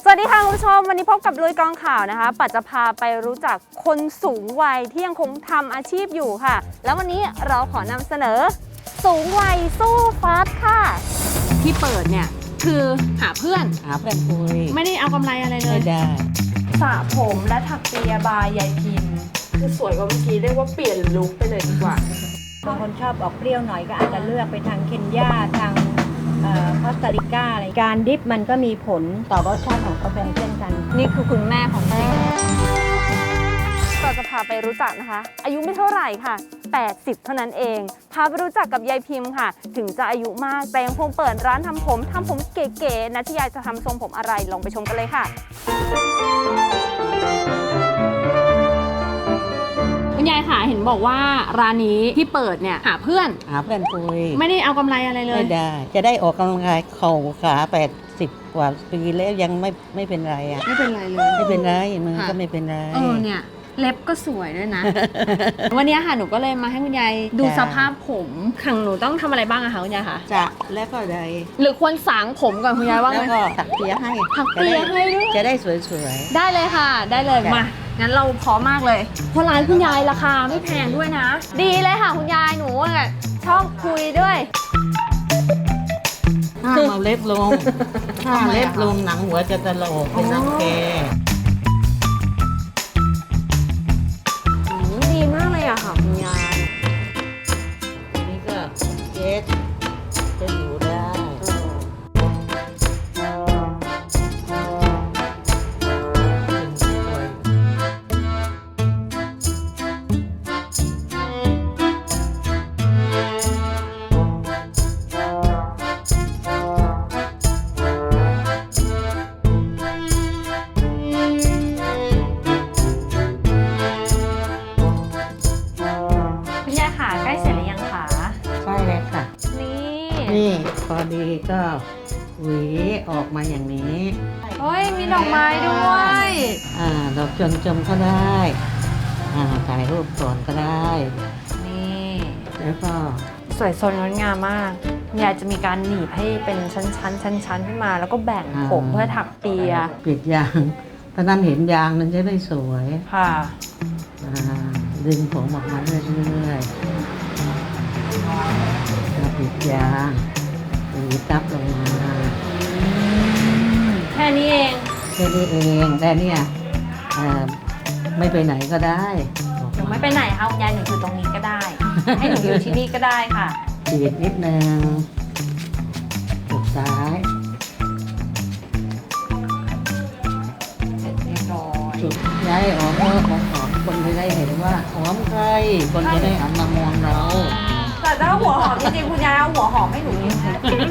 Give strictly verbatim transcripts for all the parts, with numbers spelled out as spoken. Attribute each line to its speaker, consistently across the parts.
Speaker 1: วัสดีค่ะคุณผู้ชมวันนี้พบกับลุยกองข่าวนะคะปัจจะพาไปรู้จักคนสูงวัยที่ยังคงทำอาชีพอยู่ค่ะแล้ววันนี้เราขอนำเสนอสูงวัยสู้ฟัดค่ะที่เปิดเนี่ยคือหาเพื่อน
Speaker 2: หาเพื่อนคุย
Speaker 1: ไม่ได้เอากำไรอะไรเลย
Speaker 2: ไม่ได้
Speaker 1: สระผมและถักเปียบายยายพิมพ์คือสวยกว่าเมื่อกี้เรียกว่าเปลี่ยนลุคไปเลยดีกว่า
Speaker 3: บางคนชอบออกเปรี้ยวหน่อยก็อาจจะเลือกไปทางเคนยาทางคอสตาริกาอะไรการดิฟมันก็มีผลต่อรสชาติของกาแฟเช่นกัน
Speaker 1: นี่คือคุณแม่ของจริงเราจะพาไปรู้จักนะคะอายุไม่เท่าไหร่ค่ะแปดสิบเท่านั้นเองพาไปรู้จักกับยายพิมพ์ค่ะถึงจะอายุมากแต่ยังคงเปิดร้านทำผมทำผมเก๋ๆนะที่ยายจะทำทรงผมอะไรลองไปชมกันเลยค่ะคุณยายค่ะเห็นบอกว่าร้านนี้ที่เปิดเนี่ยหาเพื่อน
Speaker 2: หาเพื่อนคุย
Speaker 1: ไม่ได้เอากำไรอะไรเลย
Speaker 2: ไม่ได้จะได้ออกกำลังกายเข่าขาแปดสิบกว่าปีแล้วยังไม่ไม่เป็นไรอ่ะ
Speaker 1: ไม่เป็นไรเลย
Speaker 2: ไม่เป็นไรมือก็ไม่เป็นไร
Speaker 1: เออเนี่ยเล็บก็สวยด้วยนะ วันนี้ค่ะหนูก็เลยมาให้คุณยายดูสภาพผมขังหนูต้องทำอะไรบ้างอะคะคุณยายคะ
Speaker 2: จะแล้วก็ได้
Speaker 1: หรือควรสางผมก่อนคุณยายว่าไง
Speaker 2: แล้วก็ถักเปียให้
Speaker 1: ถักเปียให้ด้วย
Speaker 2: จะได้สวยๆ
Speaker 1: ได้เลยค่ะได้เลยมางั้นเราพร้อมมากเลยเพราะร้านคุณยายราคาไม่แพงด้วยนะดีเลยค่ะคุณยายหนูชอบคุยด้วย
Speaker 2: ห้ามเอาเล็บลงถ้าเล็บลงหนังหัวจะตลกเป็นรังแก
Speaker 1: ดีมากเลยอะค่ะคุณยาย
Speaker 2: นี่ก็เจ็ดจะอยู่ได้นี่พอดีก็หวีออกมาอย่างนี้
Speaker 1: เฮ้ยมีดอกไม้ด้วย
Speaker 2: อ่าดอกจมจมก็ได้อ่าถ่ายรูปก่อนก็ได้
Speaker 1: นี่
Speaker 2: แล้วก็
Speaker 1: สวยสดงดงามมากยายจะมีการหนีบให้เป็นชั้นๆชั้นๆขึ้นมาแล้วก็แบ่งผมเพื่อถักเปีย
Speaker 2: ปิดยางตอนนั้นเห็นยางมันจะได้สวย
Speaker 1: ค่ะ
Speaker 2: อ่าดึงผมออกมาเรื่อยๆปิดยางหวีตับลงมา
Speaker 1: แค่นี้เอง
Speaker 2: แค่นี้เองแต่เนี่ยไม่ไปไหนก็ได้
Speaker 1: หนูไม่ไปไหนค่ะคุณยายหนูอยู่ตรงนี้ก็ได้ ให้หนูอยู่ที่นี่ก็ได้ค่ะ
Speaker 2: ฉีดนิดนึงจุดซ้าย
Speaker 1: เสร็จเรียบร้อย
Speaker 2: จุดย้ายออกเออของของคนจะได้เห็นว่าหอมใครคนจะได้หันมามองเรา
Speaker 1: แต่ถ้าหัวหอมจริงๆคุณยายเอาหัวหอมให้หนูกินนะ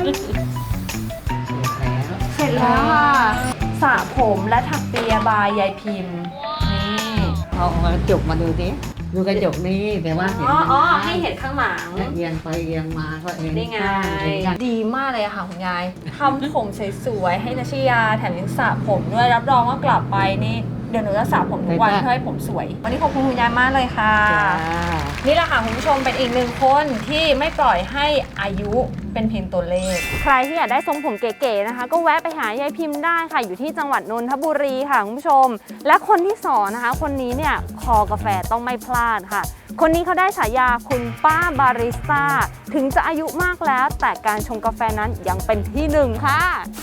Speaker 1: เสร็จแล้วค่ะสระผมและถักเปียบายยายพิมพ์นี่
Speaker 2: เอากระจกมาดูดิดูกระจกนี่แต่ว่าเห็น
Speaker 1: อ๋อให้เห็นข้างหลัง
Speaker 2: เอียงไปเอียงมาก็เอง
Speaker 1: ได้ไงดีมากเลยค่ะคุณยายทำผมสวยๆให้นัชยาแถมยังสระผมด้วยรับรองว่ากลับไปนี่เดี๋ยวหนูจะสระผมทุกวันเพื่อให้ผมสวยวันนี้ขอบคุณคุณยายมากเลยค่ะนี่แหละค่ะคุณผู้ชมเป็นอีกหนึ่งคนที่ไม่ปล่อยให้อายุเป็นเพียงตัวเลขใครที่อยากได้ทรงผมเก๋ๆนะคะก็แวะไปหายายพิมพ์ได้ค่ะอยู่ที่จังหวัดนนทบุรีค่ะคุณผู้ชมและคนที่สอนนะคะคนนี้เนี่ยคอกาแฟต้องไม่พลาดค่ะคนนี้เขาได้ฉายาคุณป้าบาริสต้าถึงจะอายุมากแล้วแต่การชงกาแฟนั้นยังเป็นที่หนึ่งค่ะ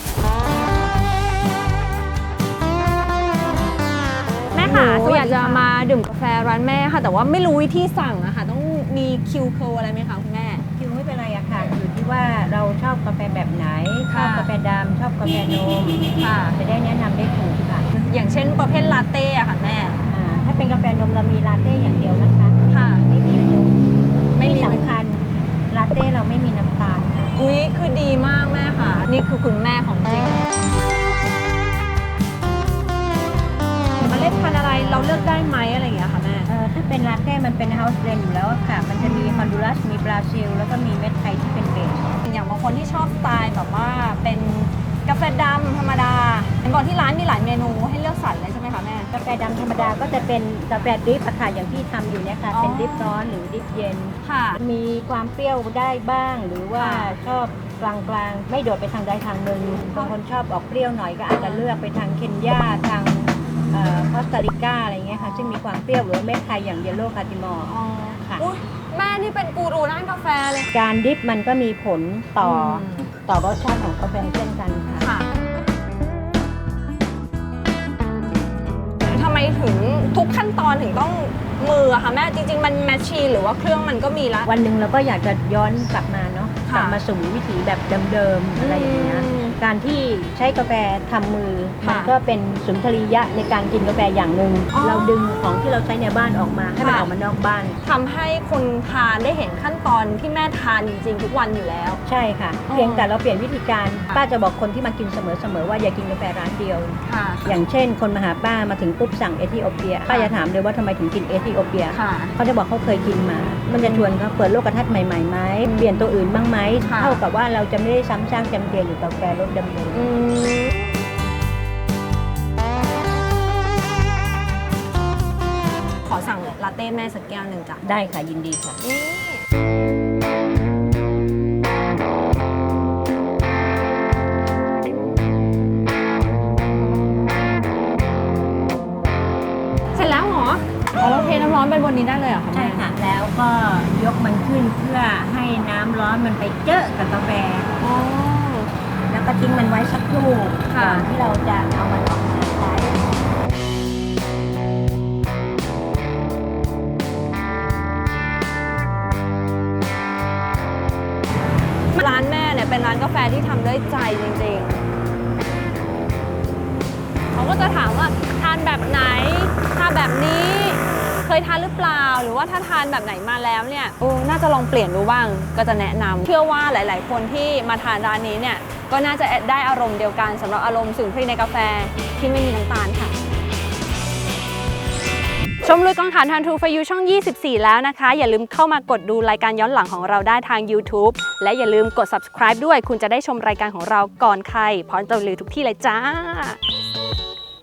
Speaker 1: แม่ค่ะหนูอยากจะมาดื่มกาแฟร้านแม่ค่ะแต่ว่าไม่รู้วิธีสั่งอะค่ะต้องมีคิวเคิลอะไรไหมคะคุณแม่
Speaker 3: คิวไม่เป็นไรอะค่ะอยู่ที่ว่าเราชอบกาแฟแบบไหนชอบกาแฟดำชอบกาแฟนมค่ะจะได้แนะนำได้ถูกค่ะ
Speaker 1: อย่างเช่นประเภทลาเต้อะค่ะแม่
Speaker 3: ถ้าเป็นกาแฟนมเรามีลาเต้อย่างเดียวนะคะ
Speaker 1: ค่ะ
Speaker 3: ไม่มีนมไม่สำคัญลาเต้เราไม่มีน้ำตาลค่ะ
Speaker 1: อุ้ยคือดีมากแม่ค่ะนี่คือคุณแม่ของจริงเมล็ดพันธุ์อะไรเราเลือกได้ไหมอะไรอย่างเงี้ยค่ะแม่
Speaker 3: เออถ้าเป็นลาเต้มันเป็นเฮาส์เบรนด์อยู่แล้วค่ะมันจะมีฮอนดูรัสมีบราซิลแล้วก็มีเม็ดไทยที่เป็นเบส
Speaker 1: อย่างบางคนที่ชอบสไตล์แบบว่าเป็นกาแฟดำธรรมดาเห็นบอกที่ร้านมีหลายเมนูให้เลือกสรรเลยใช่ไหมคะแม่
Speaker 3: กาแฟดำธรรมดาก็จะเป็นกาแฟดริปอะค่ะอย่างที่ทำอยู่เนี่ยค่ะเป็นดริปร้อนหรือดริปเย็น
Speaker 1: ค่ะ
Speaker 3: มีความเปรี้ยวได้บ้างหรือว่าชอบกลางๆ ไม่โดดไปทางใดทางหนึ่งบางคนชอบออกเปรี้ยวหน่อยก็อาจจะเลือกไปทางเคนยาทางคอสตาริกาอะไรเงี้ยค่ะซึ่งมีความเปรี้ยวหรือเม็ดไทยอย่างเยลโล่คาร์ดิมอร์ค่ะ
Speaker 1: อุ๊ยแม่นี่เป็นกูรูด้านกาแฟเลย
Speaker 3: การดิฟมันก็มีผลต่อ
Speaker 1: ม
Speaker 3: ต่อรสชาติของกาแฟเช่นกันค่ะ
Speaker 1: ค่ะทำไมถึงทุกขั้นตอนถึงต้องมืออะคะแม่จริงๆมันแมชชีนหรือว่าเครื่องมันก็มีละ
Speaker 3: วันหนึ่งเราก็อยากจะย้อนกลับมาเนาะก
Speaker 1: ค่ะ
Speaker 3: ลับมาสู่วิถีแบบเดิมๆอะไรอย่างเงี้ย
Speaker 1: อืม
Speaker 3: การที่ใช้กาแฟทำมือ
Speaker 1: ค่ะ
Speaker 3: มันก็เป็นสุนทรียะในการกินกาแฟอย่างหนึ่ง
Speaker 1: อ๋อ
Speaker 3: เราดึงของที่เราใช้ในบ้านออกมาให้มัน
Speaker 1: ค่ะ
Speaker 3: ออกมานอกบ้าน
Speaker 1: ทำให้คนทานได้เห็นขั้นตอนที่แม่ทานจริงๆทุกวันอยู่แล้ว
Speaker 3: ใช่ค่ะ
Speaker 1: อ๋อ
Speaker 3: เพียงแต่เราเปลี่ยนวิธีการ
Speaker 1: ค่ะ
Speaker 3: ป้าจะบอกคนที่มากินเสมอๆว่าอย่ากินกาแฟร้านเดียว
Speaker 1: ค่ะ
Speaker 3: อย่างเช่น คนมาหาป้ามาถึงปุ๊บสั่งเอธิโอเปียป้าจะถามเลยว่าทำไมถึงกินเอธิโอเปีย
Speaker 1: ค่ะ
Speaker 3: เขาจะบอกเขาเคยกินมา มันจะชวนเขาเปิดโลกทัศน์ใหม่ๆไหมเปลี่ยนตัวอื่นบ้างไหม
Speaker 1: ค่ะ
Speaker 3: เท่ากับว่าเราจะไม่ได้ซ้ำซากจำเจอยู่กับกาแฟรสเดิม
Speaker 1: อืมขอสั่งลาเต้แม่สักแก้วหนึ่งจ้ะ
Speaker 3: ๆได้ค่ะยินดีค่ะ
Speaker 1: นี่เสร็จแล้วเหรออ๋อเราเทน้ำร้อนไปบนนี้ได้เลยเหรอคะ
Speaker 3: ใช่
Speaker 1: แม่
Speaker 3: ค่ะ แล้วก็ยกมันขึ้นเพื่อให้น้ำร้อนมันไปเจอกับกาแฟ
Speaker 1: อ๋อ
Speaker 3: แล้วก็ทิ้งมันไว้สักครู่
Speaker 1: ค่ะ
Speaker 3: ก่อนที่เราจะเอามันออกมาใช้
Speaker 1: ร้านแม่เนี่ยเป็นร้านกาแฟที่ทำด้วยใจจริงๆ เขาก็จะถามว่าทานแบบไหนทานแบบนี้ เคยทานหรือเปล่า หรือว่าถ้าทานแบบไหนมาแล้วเนี่ยโอ้น่าจะลองเปลี่ยนดูบ้าง ก็จะแนะนำเชื่อว่าหลาย ๆ คนที่มาทานร้านนี้เนี่ย ก็น่าจะได้อารมณ์เดียวกันสำหรับอารมณ์สุนทรีย์ในกาแฟที่ไม่มีน้ำตาลค่ะ ชมลุยกองถ่านทานทูฟยูช่อง ยี่สิบสี่ แล้วนะคะ อย่าลืมเข้ามากดดูรายการย้อนหลังของเราได้ทาง YouTube และอย่าลืมกด Subscribe ด้วย คุณจะได้ชมรายการของเราก่อนใครพร้อมจะรีวิวทุกที่เลยจ้า